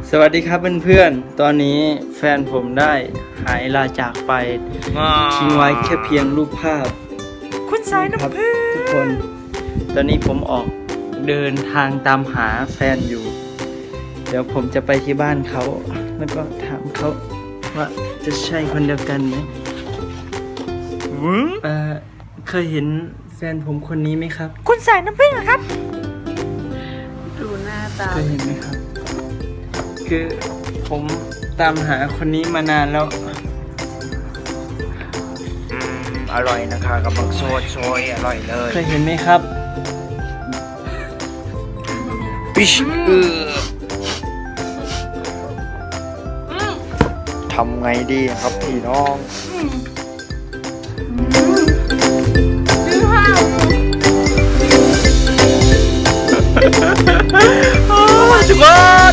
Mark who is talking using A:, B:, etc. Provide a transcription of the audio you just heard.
A: สวัสดีครับเพื่อนๆ ตอนนี้แฟนผมได้หายลาจากไปทิ้งไว้แค่เพียงรูปภาพ
B: คุณสายน้ำพึ่ง
A: ทุกคน ตอนนี้ผมออกเดินทางตามหาแฟนอยู่ เดี๋ยวผมจะไปที่บ้านเขาแล้วก็ถามเขาว่าจะใช่คนเดียวกันไหมเคยเห็นแฟนผมคนนี้ไหมครับ
B: คุณสายน้ำพึ่งเหรอครับ
C: ดูหน้าตา
A: เคยเห็นไหมครับ คือผมตามหาคนนี้มานานแล้ว
C: อร่อยนะคะกำลังโซยอร่อยเลย
A: เคยเห็นไหมครับ
C: ปิชทำไงดีครับพี่น้อง
A: ทุกคน